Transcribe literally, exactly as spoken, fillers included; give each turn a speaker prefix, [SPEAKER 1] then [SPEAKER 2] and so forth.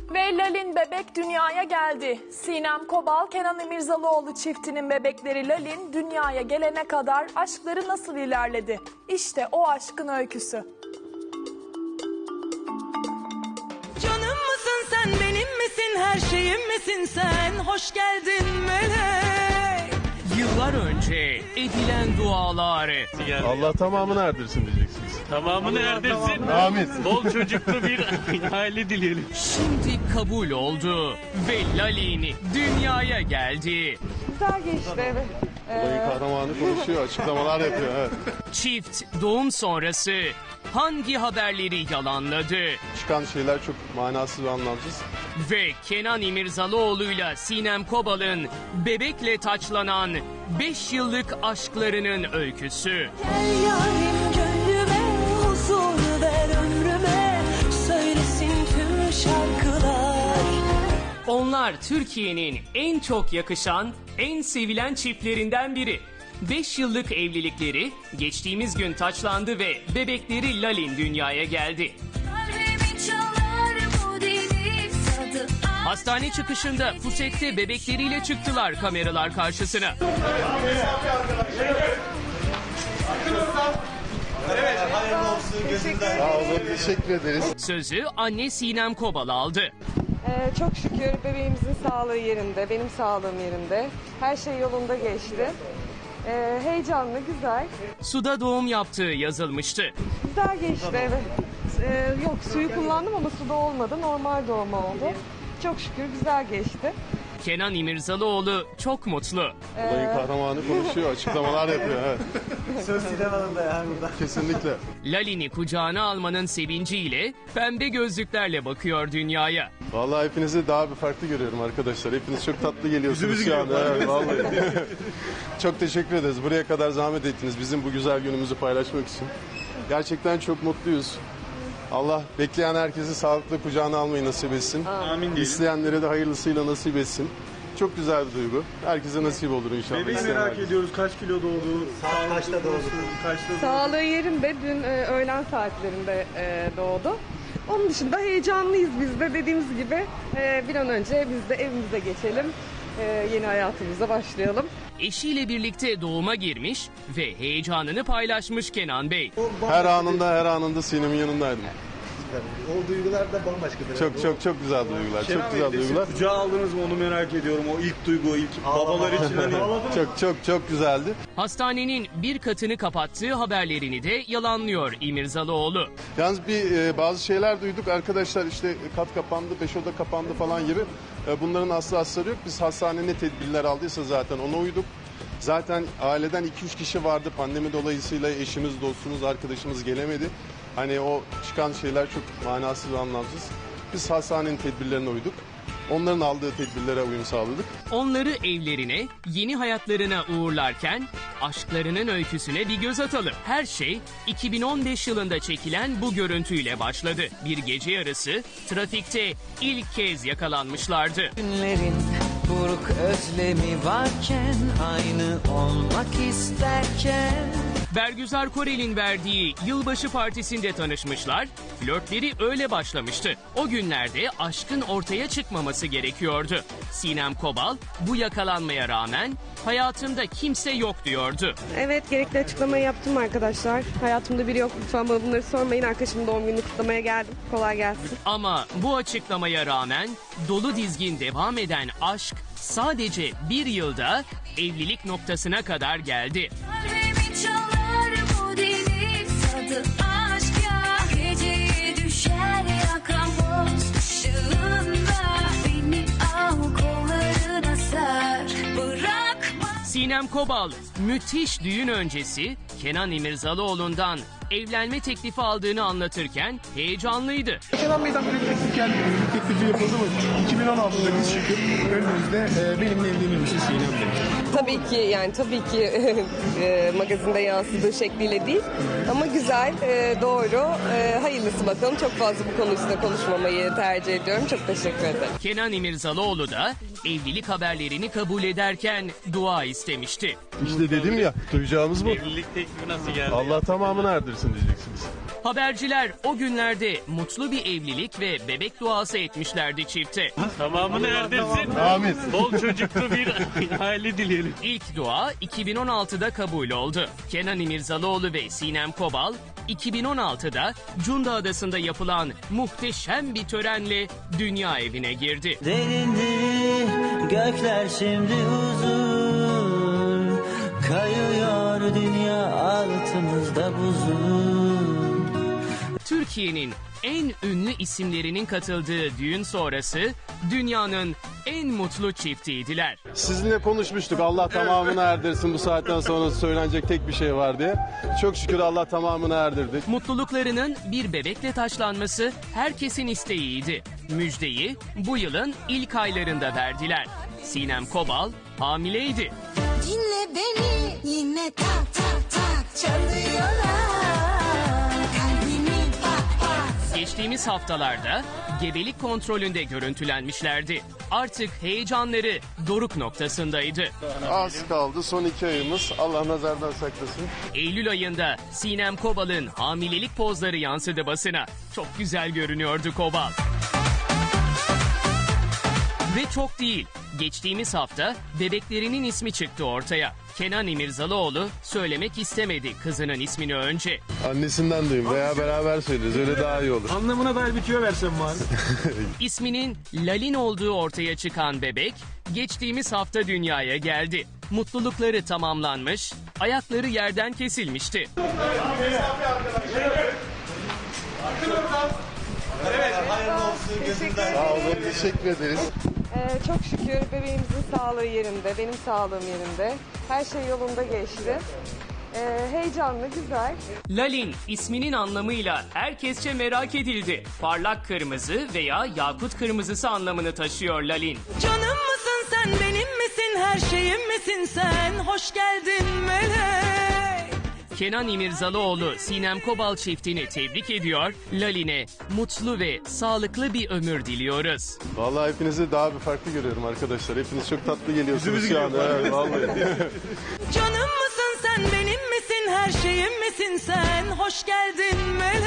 [SPEAKER 1] Ve Lalin bebek dünyaya geldi. Sinem Kobal, Kenan İmirzalıoğlu çiftinin bebekleri Lalin dünyaya gelene kadar aşkları nasıl ilerledi? İşte o aşkın öyküsü.
[SPEAKER 2] Canım mısın sen, benim misin, her şeyim misin sen? Hoş geldin melek.
[SPEAKER 3] Yıllar önce edilen dualar,
[SPEAKER 4] Allah tamamını erdirsin diyeceksiniz.
[SPEAKER 5] Tamamını erdirsin.
[SPEAKER 4] Amin.
[SPEAKER 5] Bol çocuklu bir aile dileyelim.
[SPEAKER 3] şimdi kabul oldu ve Lalin dünyaya geldi.
[SPEAKER 6] Güzel geçti, evet.
[SPEAKER 4] Olayın kahramanı konuşuyor, açıklamalar yapıyor. Evet.
[SPEAKER 3] Çift doğum sonrası hangi haberleri yalanladı?
[SPEAKER 4] Çıkan şeyler çok manasız ve anlamsız.
[SPEAKER 3] Ve Kenan İmirzalıoğlu'yla Sinem Kobal'ın bebekle taçlanan beş yıllık aşklarının öyküsü.
[SPEAKER 2] Gel yarim gönlüme, huzur ver ömrüme, söylesin tüm şarkılar.
[SPEAKER 3] Onlar Türkiye'nin en çok yakışan, en sevilen çiftlerinden biri. beş yıllık evlilikleri geçtiğimiz gün taçlandı ve bebekleri Lalin dünyaya geldi.
[SPEAKER 2] Kalbimi çalar bu deli tadı.
[SPEAKER 3] Hastane çıkışında pusette bebekleriyle çıktılar kameralar karşısına.
[SPEAKER 4] Sağ olun, teşekkür ederiz.
[SPEAKER 3] Sözü anne Sinem Kobal aldı.
[SPEAKER 6] Ee, çok şükür bebeğimizin sağlığı yerinde, benim sağlığım yerinde. Her şey yolunda geçti. Ee, heyecanlı, güzel.
[SPEAKER 3] Suda doğum yaptığı yazılmıştı.
[SPEAKER 6] Güzel geçti, evet. Ee, yok, suyu kullandım ama suda olmadı. Normal doğum oldu. Çok şükür güzel geçti.
[SPEAKER 3] Kenan İmirzalıoğlu çok mutlu.
[SPEAKER 4] Olayın kahramanı konuşuyor, açıklamalar yapıyor. Evet.
[SPEAKER 7] Söz Sinem Hanım'da ya burada.
[SPEAKER 4] Kesinlikle.
[SPEAKER 3] Lalin'i kucağına almanın sevinciyle pembe gözlüklerle bakıyor dünyaya.
[SPEAKER 4] Vallahi hepinizi daha bir farklı görüyorum arkadaşlar. Hepiniz çok tatlı geliyorsunuz şu anda. Evet, vallahi. Çok teşekkür ederiz. Buraya kadar zahmet ettiniz bizim bu güzel günümüzü paylaşmak için. Gerçekten çok mutluyuz. Allah bekleyen herkesi sağlıklı kucağına almayı nasip etsin.
[SPEAKER 5] Amin diyelim.
[SPEAKER 4] İsteyenlere de hayırlısıyla nasip etsin. Çok güzel bir duygu. Herkese nasip olur inşallah.
[SPEAKER 5] Bebeği
[SPEAKER 4] İsteyen
[SPEAKER 5] merak
[SPEAKER 4] herkese.
[SPEAKER 5] ediyoruz. Kaç kilo doğdu?
[SPEAKER 7] Saat kaçta doğdu?
[SPEAKER 5] Kaçta doğdu?
[SPEAKER 6] Sağlığı yerinde, dün e, öğlen saatlerinde e, doğdu. Onun dışında heyecanlıyız biz de. Dediğimiz gibi e, bir an önce biz de evimize geçelim. E, yeni hayatımıza başlayalım.
[SPEAKER 3] Eşiyle birlikte doğuma girmiş ve heyecanını paylaşmış Kenan Bey.
[SPEAKER 4] Her anında her anında Sinem'in yanındaydım.
[SPEAKER 7] O duygular da bambaşkadır.
[SPEAKER 4] Çok çok çok güzel duygular.
[SPEAKER 5] Kenan
[SPEAKER 4] Çok
[SPEAKER 5] Bey,
[SPEAKER 4] güzel
[SPEAKER 5] destek
[SPEAKER 4] duygular.
[SPEAKER 5] kucağa aldınız mı onu merak ediyorum. O ilk duygu, ilk babalar için hani.
[SPEAKER 4] Çok çok çok güzeldi.
[SPEAKER 3] Hastanenin bir katını kapattığı haberlerini de yalanlıyor İmirzalıoğlu.
[SPEAKER 4] Yalnız bir e, bazı şeyler duyduk arkadaşlar, işte kat kapandı, beş oda kapandı falan gibi. E, bunların aslı asları yok. Biz hastane ne tedbirler aldıysa zaten ona uyduk. Zaten aileden iki üç kişi vardı. Pandemi dolayısıyla eşimiz, dostumuz, arkadaşımız gelemedi. Hani o çıkan şeyler çok manasız ve anlamsız. Biz hastanenin tedbirlerine uyduk. Onların aldığı tedbirlere uyum sağladık.
[SPEAKER 3] Onları evlerine, yeni hayatlarına uğurlarken aşklarının öyküsüne bir göz atalım. Her şey iki bin on beş yılında çekilen bu görüntüyle başladı. Bir gece yarısı trafikte ilk kez yakalanmışlardı.
[SPEAKER 2] Günlerin buruk özlemi varken, aynı olmak isterken.
[SPEAKER 3] Bergüzar Korel'in verdiği yılbaşı partisinde tanışmışlar, flörtleri öyle başlamıştı. O günlerde aşkın ortaya çıkmaması gerekiyordu. Sinem Kobal bu yakalanmaya rağmen hayatımda kimse yok diyordu.
[SPEAKER 6] Evet, gerekli açıklamayı yaptım arkadaşlar. Hayatımda biri yok. Lütfen bana bunları sormayın. Arkadaşımın doğum gününü kutlamaya geldim. Kolay gelsin.
[SPEAKER 3] Ama bu açıklamaya rağmen dolu dizgin devam eden aşk sadece bir yılda evlilik noktasına kadar geldi.
[SPEAKER 2] Kalbimi çalar bu deli tadı. Aşk ya, geceye düşer yakamoz ışığında. Beni al kollarına sar, bırakma.
[SPEAKER 3] Sinem Kobal müthiş düğün öncesi Kenan İmirzalıoğlu'ndan evlenme teklifi aldığını anlatırken heyecanlıydı.
[SPEAKER 8] Kenan Bey'den böyle bir teklif geldi. Bir teklifi yapıldı mı? iki bin on altıda biz çıkıp önümüzde e, benimle evlenir misin Sinem Bey?
[SPEAKER 6] Tabii ki, yani tabii ki e, magazinde yansıdığı şekliyle değil. Ama güzel, e, doğru. E, hayırlısı bakalım. Çok fazla bu konu üstüne konuşmamayı tercih ediyorum. Çok teşekkür ederim.
[SPEAKER 3] Kenan İmirzalıoğlu da evlilik haberlerini kabul ederken dua istemişti.
[SPEAKER 4] İşte dedim ya, duyacağımız bu.
[SPEAKER 5] Evlilik teklifi nasıl geldi?
[SPEAKER 4] Allah tamamını erdirsin diyeceksiniz.
[SPEAKER 3] Haberciler o günlerde mutlu bir evlilik ve bebek duası etmişlerdi çifte.
[SPEAKER 9] Tamamını erdirsin.
[SPEAKER 4] Amin.
[SPEAKER 9] Bol çocuklu bir aile dileyelim.
[SPEAKER 3] İlk dua iki bin on altıda kabul oldu. Kenan İmirzalıoğlu ve Sinem Kobal iki bin on altıda Cunda Adası'nda yapılan muhteşem bir törenle dünya evine girdi.
[SPEAKER 10] Derindi gökler şimdi huzur, kayıyor dünya altımızda buzul.
[SPEAKER 3] Türkiye'nin en ünlü isimlerinin katıldığı düğün sonrası dünyanın en mutlu çiftiydiler.
[SPEAKER 4] Sizinle konuşmuştuk. Allah tamamını erdirsin, bu saatten sonra söylenecek tek bir şey var diye. Çok şükür Allah tamamını erdirdi.
[SPEAKER 3] Mutluluklarının bir bebekle taçlanması herkesin isteğiydi. Müjdeyi bu yılın ilk aylarında verdiler. Sinem Kobal hamileydi.
[SPEAKER 2] Dinle beni yine tak tak tak çalıyorlar. Kalbimi bak bak.
[SPEAKER 3] Geçtiğimiz haftalarda gebelik kontrolünde görüntülenmişlerdi. Artık heyecanları doruk noktasındaydı.
[SPEAKER 4] Az kaldı, son iki ayımız. Allah nazardan saklasın.
[SPEAKER 3] Eylül ayında Sinem Kobal'ın hamilelik pozları yansıdı basına. Çok güzel görünüyordu Kobal. Ve çok değil. Geçtiğimiz hafta bebeklerinin ismi çıktı ortaya. Kenan İmirzalıoğlu söylemek istemedi kızının ismini önce.
[SPEAKER 4] Annesinden duyayım veya beraber söyleriz. Öyle daha iyi olur.
[SPEAKER 5] Anlamına dair bir tüyo versem bari.
[SPEAKER 3] İsminin Lalin olduğu ortaya çıkan bebek geçtiğimiz hafta dünyaya geldi. Mutlulukları tamamlanmış, ayakları yerden kesilmişti.
[SPEAKER 4] Sağ olun, teşekkür ederiz.
[SPEAKER 6] Ee, çok şükür bebeğimizin sağlığı yerinde, benim sağlığım yerinde. Her şey yolunda geçti. Ee, heyecanlı, güzel.
[SPEAKER 3] Lalin isminin anlamıyla herkesçe merak edildi. Parlak kırmızı veya yakut kırmızısı anlamını taşıyor Lalin.
[SPEAKER 2] Canım mısın sen benim misin her şeyim misin sen hoş geldin melek.
[SPEAKER 3] Kenan İmirzalıoğlu Sinem Kobal çiftini tebrik ediyor. Lalin'e mutlu ve sağlıklı bir ömür diliyoruz.
[SPEAKER 4] Vallahi hepinizi daha bir farklı görüyorum arkadaşlar. Hepiniz çok tatlı geliyorsunuz şu anda. Evet, vallahi.
[SPEAKER 2] Canım mısın sen benim misin her şeyim misin sen hoş geldin melek.